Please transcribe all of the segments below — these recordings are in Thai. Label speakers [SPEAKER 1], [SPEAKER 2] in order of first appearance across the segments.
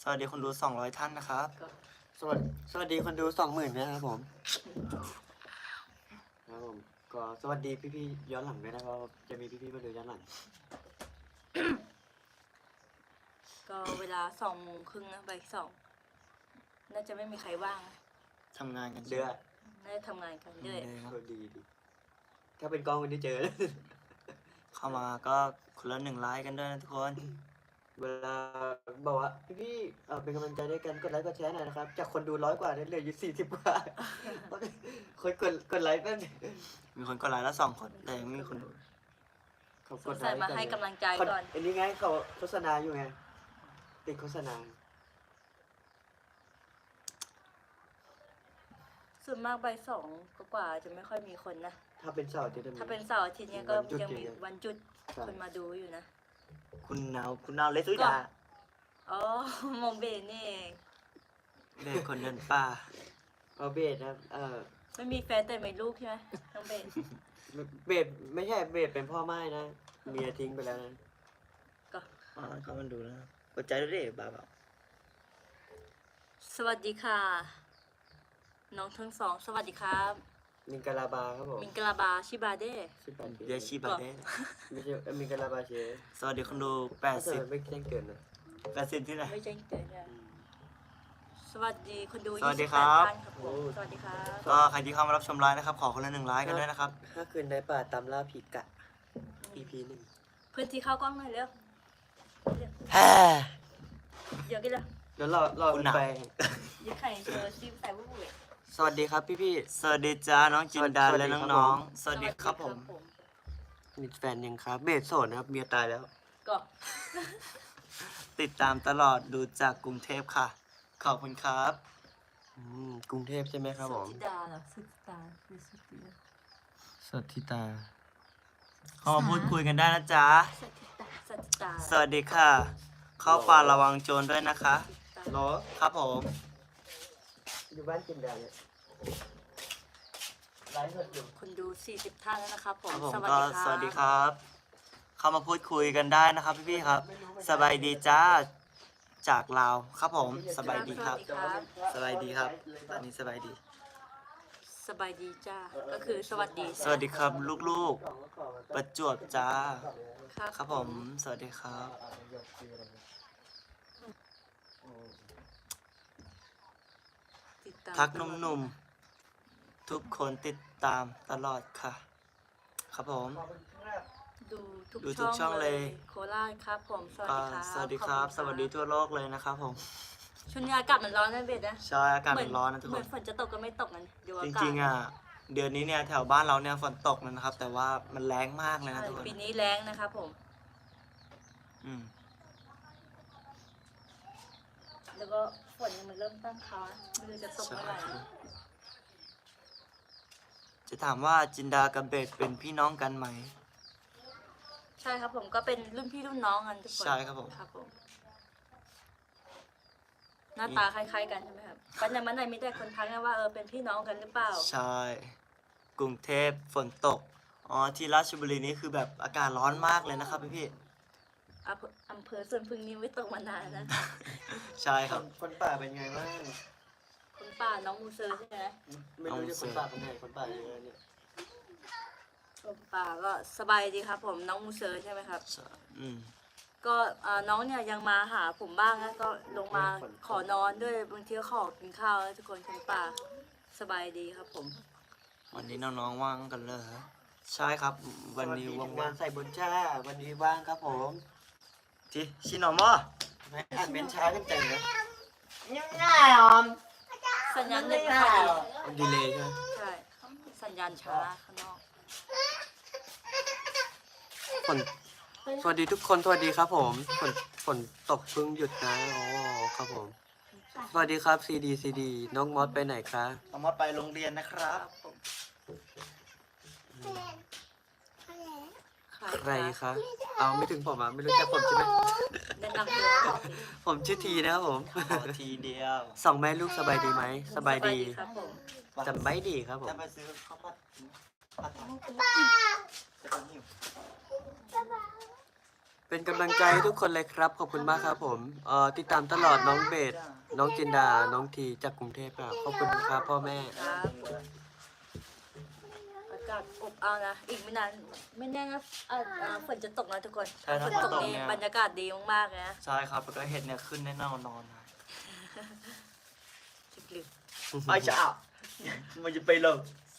[SPEAKER 1] สวัสดีคนดู200ท่านนะครับ
[SPEAKER 2] ก็
[SPEAKER 3] สวัสดีคนดู20,000นะครับผมก็สวัสดีพี่ๆย้อนหลังด้วยนะครับจะมีพี่ๆมาดูย้อนหลัง
[SPEAKER 2] ก็เวลา2:30นะบ่าย2น่าจะไม่มีใครว่างนะ
[SPEAKER 1] ทำงานกัน
[SPEAKER 3] เดือด
[SPEAKER 2] น่าจะทำงานกันด้วย
[SPEAKER 3] ก็ดีถ้าเป็นกล้องวันนี้เจอ
[SPEAKER 1] เข้ามาก็คนละ1 ไลค์กันด้วยนะทุกคน
[SPEAKER 3] เวลาบอกว่าพี่เป็นกำลังใจด้วยกันกดไลค์กดแชร์หน่อยนะครับจากคนดู100 กว่าเนี่ยเหลืออยู่40 กว่า คนกดไลค์แป๊บนึง
[SPEAKER 1] มีคนกดไลค์แล้ว2 คนแต่ยังไม่มีคนดู
[SPEAKER 3] เขา
[SPEAKER 2] ส
[SPEAKER 3] ก
[SPEAKER 2] ง
[SPEAKER 3] ดไล
[SPEAKER 2] สัย
[SPEAKER 3] ค์
[SPEAKER 2] มาให้กำลังใจก่อน
[SPEAKER 3] อันนี้ไงเขาโฆษณาอยู่ไงติดโฆษณา
[SPEAKER 2] ส่วนมากบ่าย2กว่าจะไม่ค่อยมีคนนะ
[SPEAKER 3] ถ้าเป็นเสาร์อาทิตย์
[SPEAKER 2] ถ้าเป็นเสาร์อาทิตย์เนี้ยก็
[SPEAKER 3] วันหยุด
[SPEAKER 2] ยังมี
[SPEAKER 3] อย่างเงี้ย
[SPEAKER 2] วันหยุด
[SPEAKER 3] ใช่
[SPEAKER 2] คนมาดูอยู่นะ
[SPEAKER 1] คุณนาวเลสุดา
[SPEAKER 2] อ๋อ มองเบนนี่เอง
[SPEAKER 1] เด็กคนเดินป่า
[SPEAKER 3] เอาเบสนะ
[SPEAKER 2] ไม่มีแฟนแต่มีลูกใช่ไหมน้องเบน
[SPEAKER 3] เบสไม่ใช่เบสเป็นพ่อไม้นะเมียทิ้งไปแล้วนะ
[SPEAKER 2] ก็
[SPEAKER 1] เข้ามาดูนะกดใจด้วยดิบ้าเปล่า
[SPEAKER 2] สวัสดีค่ะ น้องทั้งสองสวัสดีครับ
[SPEAKER 3] มิงกาลาบาครับผม
[SPEAKER 2] มิงกลาบาชิบาเด้
[SPEAKER 3] ชื่อปัน
[SPEAKER 1] เดชิบาเด
[SPEAKER 3] ไม่ใช่มิงกาลาบาเช
[SPEAKER 1] สวัสดีคนดู
[SPEAKER 3] ถ้าเธอไม่แจ้งเกินนะ
[SPEAKER 1] 80ที่ไหน
[SPEAKER 2] ไม่ใช่เกิดเนี่ยสวัสดีคนดู
[SPEAKER 1] สวัสดีครับ
[SPEAKER 2] 28ท่านครับผมสวัสดีครับ
[SPEAKER 1] ก็ใครที่เข้ามารับชมไลฟ์นะครับขอคนละ1 ไลค์กันด้วยนะครับ
[SPEAKER 3] ถ้าคืนในป่าตามล่าผีกะ EP 1
[SPEAKER 2] พื้นที่เข้ากล้องหน่อยเร็ว
[SPEAKER 1] แฮ่
[SPEAKER 2] เดี๋ยวกันเลย
[SPEAKER 3] เดี๋ยวรอ
[SPEAKER 1] คุณ
[SPEAKER 3] คุณ
[SPEAKER 1] หนัก
[SPEAKER 3] ไป
[SPEAKER 2] ยึดไข่เจอซิมใส่วุ้ย
[SPEAKER 3] สวัสดีครับพี่
[SPEAKER 1] สวัสดีจ้าน้องจินดา
[SPEAKER 3] สวัสดี
[SPEAKER 1] และ
[SPEAKER 3] ครับ
[SPEAKER 1] น้อง
[SPEAKER 3] ผม
[SPEAKER 1] ๆสวัสดีครับผม
[SPEAKER 3] ๆมีแฟนยังครับเบสโสดนะครับเมียตายแล้ว
[SPEAKER 2] ก็
[SPEAKER 1] ติดตามตลอดดูจากกรุงเทพค่ะ ขอบคุณครับ
[SPEAKER 3] กรุงเทพใช่ไหมครับผม
[SPEAKER 2] สุธิดาเหรอสุธิดาคือสุธิดา
[SPEAKER 1] สวัสดีตาเข้ามาพูดคุยกันได้นะจ๊ะ
[SPEAKER 2] สุธิดาสุธิดา
[SPEAKER 1] สวัสดีค่ะ เข้าป่าระวังโจรด้วยนะคะ
[SPEAKER 3] เหรอ
[SPEAKER 1] ครับผม
[SPEAKER 3] อยู่บ้านจินดาเนี่ยไลฟ์สดอยู่
[SPEAKER 2] คนดู40ท่านแล้วนะครับผ
[SPEAKER 1] ค
[SPEAKER 2] ม
[SPEAKER 1] รับผม
[SPEAKER 2] สวัส
[SPEAKER 1] ก็
[SPEAKER 2] ดีครับ
[SPEAKER 1] สวัสดีครับ เข้ามาพูดคุยกันได้นะครับพี่ๆครับ สบายดีจ้าจากลาวครับผมสบายดีครับ สบายดีครับตอนนี้สบายดี
[SPEAKER 2] สบายดีจ้าก็คือสวัสดี
[SPEAKER 1] สวัสดีครับลูกๆ ประจวบจ้า
[SPEAKER 2] ครับ
[SPEAKER 1] ครับผม สวัสดีครับ
[SPEAKER 2] ติดตาม
[SPEAKER 1] ทักหนุ่มๆ ทุกคนติดตามตลอดค่ะ ครับผม
[SPEAKER 2] ดูทุก
[SPEAKER 1] ดูทุกช่องเลย
[SPEAKER 2] โคราชครับผมสวัส
[SPEAKER 1] ก็
[SPEAKER 2] ดีครับ
[SPEAKER 1] สวัสดีครับ
[SPEAKER 2] ขอณ
[SPEAKER 1] สวัสดีทั่วโลกเลยนะครับผม
[SPEAKER 2] ช่วงนี้อากาศมันร้อนนะเบสนะ
[SPEAKER 1] ใช่อากาศมันร้อนนะทุก
[SPEAKER 2] เห
[SPEAKER 1] ค
[SPEAKER 2] มือน นฝนจะตกก็ไม่ตกนะดูอา
[SPEAKER 1] จ
[SPEAKER 2] กาศ
[SPEAKER 1] ริงๆอ่ะ เดือนนี้เนี่ยแถวบ้านเราเนี่ยฝนตกเลยนะครับ แต่ว่ามันแรงมากเลยนะ
[SPEAKER 2] ใช่
[SPEAKER 1] ทุกคน
[SPEAKER 2] ปีนี้แรงนะครับผม
[SPEAKER 1] อืม
[SPEAKER 2] แล้วก็ฝนยังมันเริ่มตั้งเขานะไม่รู้จะตก
[SPEAKER 1] ใช่
[SPEAKER 2] เมื่อไหร่
[SPEAKER 1] จะถามว่าจินดากับเบสเป็นพี่น้องกันไหม
[SPEAKER 2] ใช่ครับผมก็เป็นรุ่นพี่รุ่นน้องกันทุกคน
[SPEAKER 1] ใช่ครับผม
[SPEAKER 2] ครับผมหน้าตาคล้ายๆกันใช่ไหมครับปันในมันไหนมีแต่คนทักนะว่าเป็นพี่น้องกันหรือเปล่า
[SPEAKER 1] ใช่ กรุงเทพฝนตก อ๋อ ที่ราชบุรีนี่คือแบบอากาศร้อนมากเลยนะครับพี่
[SPEAKER 2] อำเภอสวนพึ่งนี้ไม่ตกมานานนะ
[SPEAKER 1] ๆใช่ครับ
[SPEAKER 3] คนป่าเป็นไงบ้าง
[SPEAKER 2] คุณป้าน้องมูเซอร์ใช่ไหม
[SPEAKER 3] ไม่รู้จะคนป่าเป็นไงคนป่าเยอะเนี่ย
[SPEAKER 2] คุณป้าก็สบายดีครับผมน้องมูเซอร์ใช่ไหมครับ
[SPEAKER 1] อืม
[SPEAKER 2] ก็น้องเนี่ยยังมาหาผมบ้างนะก็ลงมาขอนอนด้วยบางทีก็ขอกินข้าวนะทุกคนคุณป้าสบายดีครับผม
[SPEAKER 1] วันนี้น้องๆว่างกันเลยเหรอใช่ครับ วันนี้
[SPEAKER 3] สสดี
[SPEAKER 1] ว่าง
[SPEAKER 3] งานใส่บนชาวันนี้ว่างครับผม
[SPEAKER 1] ๆที่ชิโนมอ
[SPEAKER 3] ไม่อ่านเป็นช้าจังใจนะ
[SPEAKER 2] สัญญาณเน็ตไม่ค่อยดี
[SPEAKER 3] มันดีเลยใช่ไหม
[SPEAKER 2] ใช่สัญญาณช้าข้างนอก
[SPEAKER 3] ฝนสวัสดีทุกคนสวัสดีครับผมฝนตกเพิ่งหยุดนะอ๋อครับผม สวัสดีครับซีดีน้องมอสไปไหนคะ
[SPEAKER 1] น้องมอไปโรงเรียนนะครั
[SPEAKER 2] ครับ บผม
[SPEAKER 3] ใครคะเอาไม่ถึงผมอ่ะไม่รู้จักผมใช่ไหม
[SPEAKER 2] แนะนำตัวก่อนสิ
[SPEAKER 3] ผมชื่อทีนะครับผม
[SPEAKER 1] ขอทีเดียว
[SPEAKER 3] สองแม่ลูกสบายดีไหมสบายดี
[SPEAKER 2] ครับผม
[SPEAKER 3] จำไม่ดีครับผม
[SPEAKER 1] จะไปซื้อข้าวผัดผัดจะไปหิว
[SPEAKER 3] เป็นกำลังใจให้ทุกคนเลยครับ ขอบคุณมากครับผมติดตามตลอดน้องเบสน้องจินดาน้องทีจากกรุงเทพครับขอบคุณครับพ่อแม่
[SPEAKER 2] ครับอากาศอบอ้าวนะอีกไม่นานไม่แน่นะฝนจะตกนะทุกคน
[SPEAKER 1] ใช่ถ้า
[SPEAKER 2] ฝน
[SPEAKER 1] ฝน
[SPEAKER 2] ตก
[SPEAKER 1] ตก
[SPEAKER 2] นี่
[SPEAKER 1] เนี่ย
[SPEAKER 2] บรรยากาศดีมากๆเลยนะ
[SPEAKER 1] ใช่ครับแล้วก็เห็ดเนี่ยขึ้นแน่นอนนะ
[SPEAKER 2] ลึก
[SPEAKER 1] ไอ้จ้ามันจะไปเลย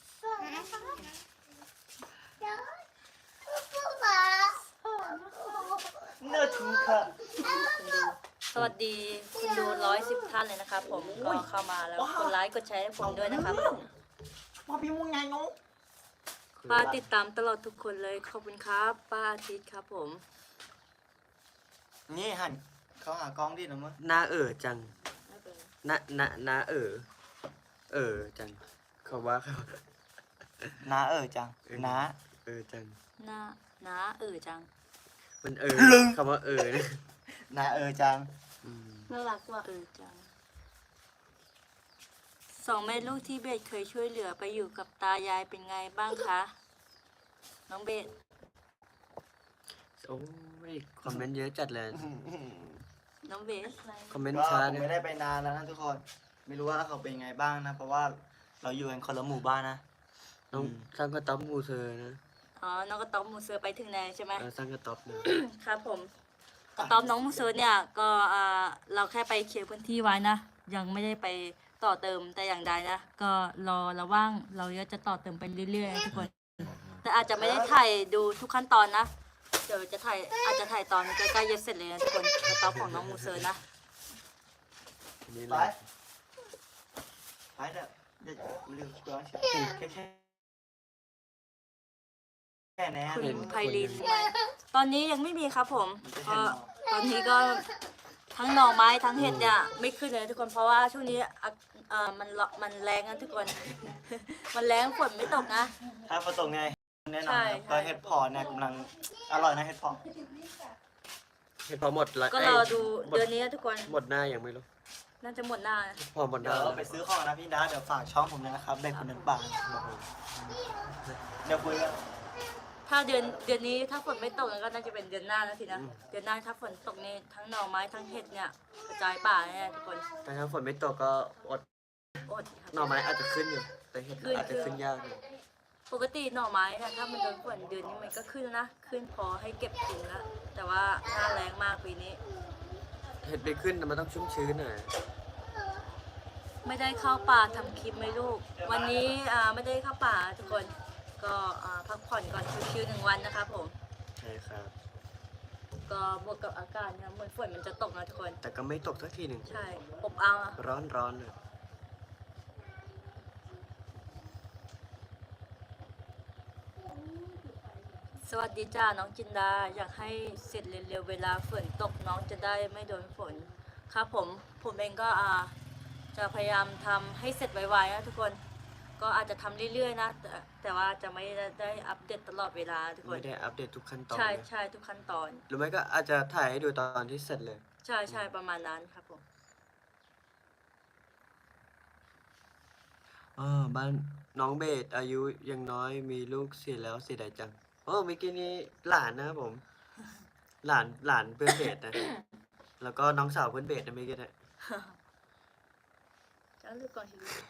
[SPEAKER 1] เนื้อถูกค่ะ
[SPEAKER 2] ๆสวัสดีคุณดู110 ท่านเลยนะครับผมก็เข้ามาแล้วกดไลค์กดแชร์ให้ผมด้วยนะครับ
[SPEAKER 1] พ่อพี่มุ้งไงน้อง
[SPEAKER 2] ป้าติดตามตลอดทุกคนเลยขอบคุณครับป้าอาทิตย์ครับผม
[SPEAKER 1] นี่หันเขาหากล้องดินะมั้ง
[SPEAKER 3] หน้าจังหน้าจังเขาว่าเขา
[SPEAKER 1] น้าจังน้า
[SPEAKER 3] จัง
[SPEAKER 2] หน้าน้าจัง
[SPEAKER 3] มัน คำว่านะ
[SPEAKER 1] น้าจัง
[SPEAKER 3] อืม
[SPEAKER 2] น่ารักว่ะจังสองแม่ลูกที่เบสเคยช่วยเหลือไปอยู่กับตายายเป็นไงบ้างคะน้องเบส
[SPEAKER 3] โอ้ยคอมเมนต์เยอะจัดเลย
[SPEAKER 2] น้องเบส
[SPEAKER 3] คอมเมนต์
[SPEAKER 1] ก็
[SPEAKER 3] ช้า
[SPEAKER 1] ผม
[SPEAKER 3] นะ
[SPEAKER 1] ไม่ได้ไปนานแล้วนะทุกคน ไม่รู้ว่าเขาเป็นไงบ้างนะ เพราะว่าเราอยู่กันคนละหมู่บ้านนะ
[SPEAKER 3] น้องสร้างกระต๊อบมูเซอร์นะ
[SPEAKER 2] อ๋อน้องกระต๊อบมูเซอร์ไปถึงไหนใช่ไหม
[SPEAKER 3] สร้างกระต๊อบนะ
[SPEAKER 2] ครับผมกระต๊อบน้องมูเซอร์เนี่ยก็เราแค่ไปเคลียร์พื้นที่ไว้นะยังไม่ได้ไปต่อเติมแต่อย่างใดนะก็รอระว่างเราก็จะต่อเติมไปเรื่อยๆนะทุกคนแต่อาจจะไม่ได้ถ่ายดูทุกขั้นตอนนะเดี๋ยวจะถ่ายอาจจะถ่ายตอนใกล้ๆจะเสร็จเลยนะทุกคนกระต๊อบของน้องมูเซอร์นะ
[SPEAKER 3] นี่
[SPEAKER 1] ไป
[SPEAKER 3] เลย
[SPEAKER 1] ไปเด้อเดี๋ยวลืมตัวแค่แน่
[SPEAKER 2] คุณไพลินตอนนี้ยังไม่มีครับผมก็ตอนนี้ก็ทั้งหน่อไม้ทั้งเห็ดเนี่ยไม่ขึ้นเลยทุกคนเพราะว่าช่วงนี้มันแรงนะทุกคน มันแรงฝนไม่ตกนะ
[SPEAKER 1] ถ้าฝนตกไงแน่นอน
[SPEAKER 2] ใช่
[SPEAKER 1] ครับก็เห็ดเพอเนี่ยกำลังอร่อยนะเห็ดเพอ
[SPEAKER 3] เห็นพอหมดละ
[SPEAKER 2] ก็รอดูเดือนนี้นะทุกคน
[SPEAKER 3] หมดหน้ายังไม่รู้
[SPEAKER 2] น่าจะหมดหน้านะ
[SPEAKER 3] พอหมดห
[SPEAKER 1] เดี๋ย
[SPEAKER 3] น้าว
[SPEAKER 1] เราไปซื้อของนะพี่ดาเดี๋ยวฝากช่องผมเลยนะครับเด็กคนนั้นป่าเดี๋ยวคุยกัน
[SPEAKER 2] ถ้าเดือนนี้ถ้าฝนไม่ตกก็น่าจะเป็นเดือนหน้าแล้วสินะเดือนหน้าถ้าฝนตกนี่ทั้งหน่อไม้ทั้งเห็ดเนี่ยกระจายป่าแน่ทุกคน
[SPEAKER 3] แต่ถ้าฝนไม่ตกก็อด
[SPEAKER 2] อดครับ
[SPEAKER 3] หน่อไม้อาจจะขึ้นอยู่ แต่เห็ด
[SPEAKER 2] ขึ้น
[SPEAKER 3] อาจจะขึ้นยากอยู่
[SPEAKER 2] ปกติหน่อไม้เนี่ยถ้ามันโดนฝนเดือนนี้มันก็ขึ้นนะขึ้นพอให้เก็บกินแล้วแต่ว่าหน้าแรงมากปีนี้
[SPEAKER 3] เห็ดไม่ขึ้นแต่มันต้องชุ่มชื้นหน่อย
[SPEAKER 2] ไม่ได้เข้าป่าทำคลิปไหมลูก วันนี้ไม่ได้เข้าป่าทุกคนก็พักผ่อนก่อนชิวๆ1 วันนะครับผม
[SPEAKER 3] ใช่ครับ
[SPEAKER 2] ก็บวกกับอากาศนะเหมือนฝนมันจะตกนะทุกคน
[SPEAKER 3] แต่ก็ไม่ตกสักทีหนึ่ง
[SPEAKER 2] ใช่อบอ้าวอะ
[SPEAKER 3] ร้อนเลย
[SPEAKER 2] สวัสดีจ้าน้องจินดาอยากให้เสร็จเร็วๆเวลาฝนตกน้องจะได้ไม่โดนฝนครับผมเองก็จะพยายามทำให้เสร็จไวๆนะทุกคนก็อาจจะทำเรื่อยๆนะแต่ว่าจะไม่ได้อัปเดตตลอดเวลาทุกคน
[SPEAKER 3] ไม่ได้อัปเดตทุกขั้นตอน
[SPEAKER 2] ใช่
[SPEAKER 3] นะ
[SPEAKER 2] ใช่ทุกขั้นตอน
[SPEAKER 3] หรือไม่ก็อาจจะถ่ายให้ดูตอนที่เสร็จเลย
[SPEAKER 2] ใช่ใช่ประมาณนั้นครับผม
[SPEAKER 3] บ้านน้องเบสอายุยังน้อยมีลูกเสียแล้วเสียดายจังเมื่อกี้นี้หลานนะครับผม หลานเพื่อนเบสนะ แล้วก็น้องสาวเพื่อนเบสนะเมื่อกี้นะ
[SPEAKER 2] จะเลือกก่อนทีวี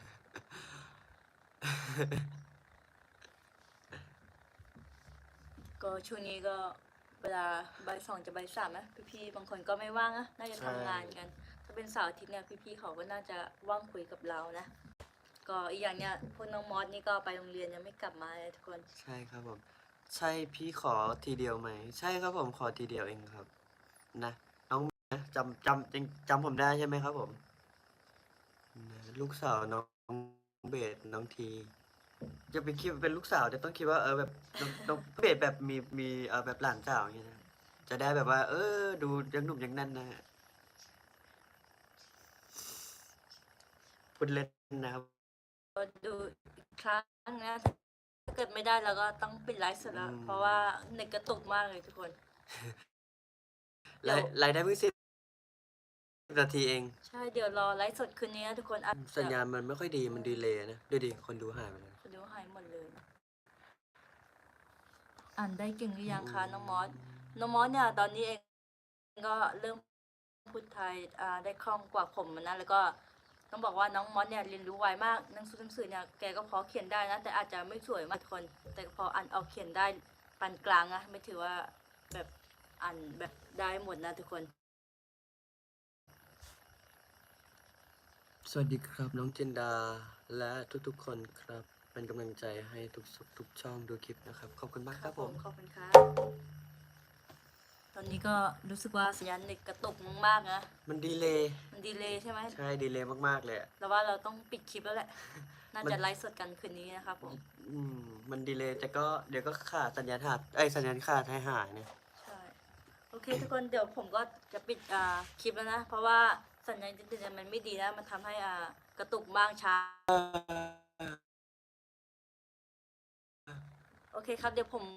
[SPEAKER 2] ก็ช่วงนี้ก็เวลาบ่าย 2จะบ่าย 3นะพี่ๆบางคนก็ไม่ว่างนะน่าจะทำงานกัน ถ้าเป็นเสาร์อาทิตย์เนี่ยพี่ๆเขาก็น่าจะว่างคุยกับเรานะก็อีกอย่างเนี่ยพวกน้องมอสนี่ก็ไปโรงเรียนยังไม่กลับมาเลยทุกคน
[SPEAKER 3] ใช่ครับผม ใช่พี่ขอทีเดียวไหม ใช่ครับผมขอทีเดียวเองครับ นะน้องนะจำผมได้ใช่ไหมครับผมนะลูกสาวน้องเบสน้องทีจะไปคิดว่าเป็นลูกสาวแต่ต้องคิดว่าแบบน้องเบสแบบมีแบบหลานสาวอย่างเงี้ยนะจะได้แบบว่า ดูยังหนุ่มยังแนั่นนะฮะพูดเล่นนะครับ
[SPEAKER 2] ก็ดูอีกครั้งนะถ้าเกิดไม่ได้เราก็ต้องปิดไลฟ์สดแล้ว
[SPEAKER 3] อืม
[SPEAKER 2] เพราะว่าเน็ตกระตุกมากเลยทุกคน
[SPEAKER 3] รายได้เพิ่ง10 นาทีเอง
[SPEAKER 2] ใช่เดี๋ยวรอไลฟ์สดคืนนี้นะทุกคนอ่ะ
[SPEAKER 3] สัญญาณมันไม่ค่อยดีมันดีเลยนะดูดิคนดูหายไปเลย
[SPEAKER 2] คนดูหายหมดเลย อ่านได้เก่งหรือยังคะน้องมอสน้องมอสเนี่ยตอนนี้เองก็เริ่มพูดไทยได้คล่องกว่าผมนะแล้วก็ต้องบอกว่าน้องมอสเนี่ยเรียนรู้ไวมากหนังสือเนี่ยแกก็พอเขียนได้นะแต่อาจจะไม่สวยมากทุกคน แต่ก็พออ่านออกเขียนได้ปานกลางนะไม่ถือว่าแบบอ่านแบบได้หมดนะทุกคน
[SPEAKER 3] สวัสดีครับน้องจินดาและทุกๆคนครับ เป็นกำลังใจให้ทุกช่องดูคลิปนะครับ ขอบคุณมากครับผม
[SPEAKER 2] ขอบคุณครับตอนนี้ก็รู้สึกว่าสัญญาณเน็ตกระตุกมากๆนะ
[SPEAKER 3] มันดีเลย์
[SPEAKER 2] มันดีเลยใช่ไหม
[SPEAKER 3] ใช่ดีเลย์มากๆเลยอะ
[SPEAKER 2] เราว่าเราต้องปิดคลิปแล้วแหละ น่า
[SPEAKER 3] มัน
[SPEAKER 2] จะไลฟ์สดกันคืนนี้นะครับผม
[SPEAKER 3] มันดีเลย์แต่ก็เดี๋ยวก็ขาดสัญญาณขาดสัญญาณขาดหายเนี่ย
[SPEAKER 2] ใช่ โอเคทุกคนเดี๋ยวผมก็จะปิดคลิปแล้วนะ เพราะว่าสัญญาณอินเทอร์เน็ตมันไม่ดีนะ มันทำให้กระตุกบ้างช้า โอเคครับเดี๋ยวผม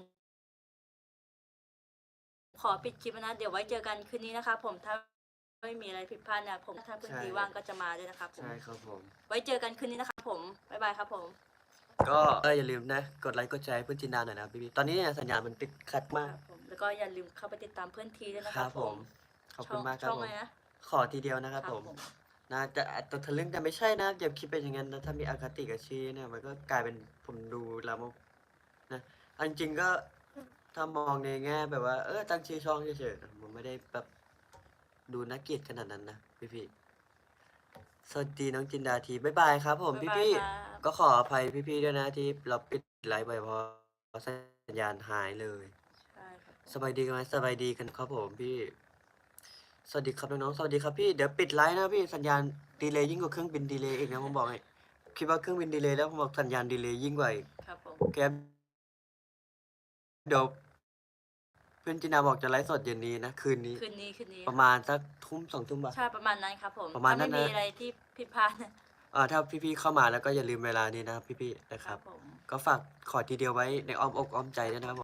[SPEAKER 2] ขอปิดคลิปแล้วนะ เดี๋ยวไว้เจอกันคืนนี้นะครับผมถ้าไม่มีอะไรผิดพลาดเนี่ยผมถ้าพื้นที่ว่างก็จะมาด้วยนะครับผม
[SPEAKER 3] ใช่ครับผม
[SPEAKER 2] ไว้เจอกันคืนนี้นะครับผมบ๊ายบายครับผม
[SPEAKER 3] ก็อย่าลืมนะ กดไลค์กดแชร์ให้เพื่อนจินดาหน่อยนะพี่ๆตอนนี้เนี่ยสัญญาณมันติดขัด
[SPEAKER 2] ค
[SPEAKER 3] มาก
[SPEAKER 2] รับผมแล้วก็อย่าลืมเข้าไปติดตามเพื่อนทีด้วยนะ
[SPEAKER 3] ค
[SPEAKER 2] ค
[SPEAKER 3] รั
[SPEAKER 2] รั
[SPEAKER 3] บบ ผมขอบคุณมากครับ
[SPEAKER 2] ช่อง
[SPEAKER 3] ผม
[SPEAKER 2] อะไรนะ
[SPEAKER 3] ขอทีเดียวนะครับผมนะแต่ทะลึ่งแต่ไม่ใช่นะอย่าคิดเป็นอย่างนั้นนะถ้ามีอคติกับชีเนี่ยมันก็กลายเป็นผมดูแล้วนะอันจริงก็ถ้ามองในแง่แบบว่าตั้งชื่อช่องเฉยๆผมไม่ได้แบบดูน่าเกลียดขนาดนั้นนะพี่ๆสวัสดีน้องจินดาทีบ๊ายบายครับผม
[SPEAKER 2] บ๊ายบาย
[SPEAKER 3] พี่
[SPEAKER 2] ครับ
[SPEAKER 3] ๆก็ขออภัยพี่ๆด้วยนะที่เราปิดไลฟ์ไปเพราะสัญญาณหายเลย
[SPEAKER 2] ใช่ครับผม
[SPEAKER 3] สบายดีกันไหมสบายดีกันครับผมพี่ สวัสดีครับน้องๆสวัสดีครับพี่เดี๋ยวปิดไลน์นะพี่สัญญาณดีเลย์ยิ่งกว่าเครื่องบินดีเลย์อีกนะผมบอกให้คิดว่าเครื่องบินดีเลย์แล้วผมบอกสัญญาณดีเลย์ยิ่งกว่าอีก
[SPEAKER 2] ครับผม
[SPEAKER 3] แกเดี๋ยวเพื่อนจินาบอกจะไลฟ์สดเย็นนี้นะคืนนี้
[SPEAKER 2] คืนนี้
[SPEAKER 3] ประมาณสักทุ่ม2 ทุ่มป่ะ
[SPEAKER 2] ใช่ประมาณนั้นครับผม
[SPEAKER 3] ประมาณนั้นนะ
[SPEAKER 2] ถ้ไม่มีอะไรที่ผิดพลาดนะ
[SPEAKER 3] ถ้าพี่ๆเข้ามาแล้วก็อย่าลืมเวลานี้นะครับพี่ๆนะค
[SPEAKER 2] ค
[SPEAKER 3] รั
[SPEAKER 2] รับ บผม
[SPEAKER 3] ก็ฝากขอทีเดียวไว้ในอ้อมอกอ้อมใจด้วยนะครับ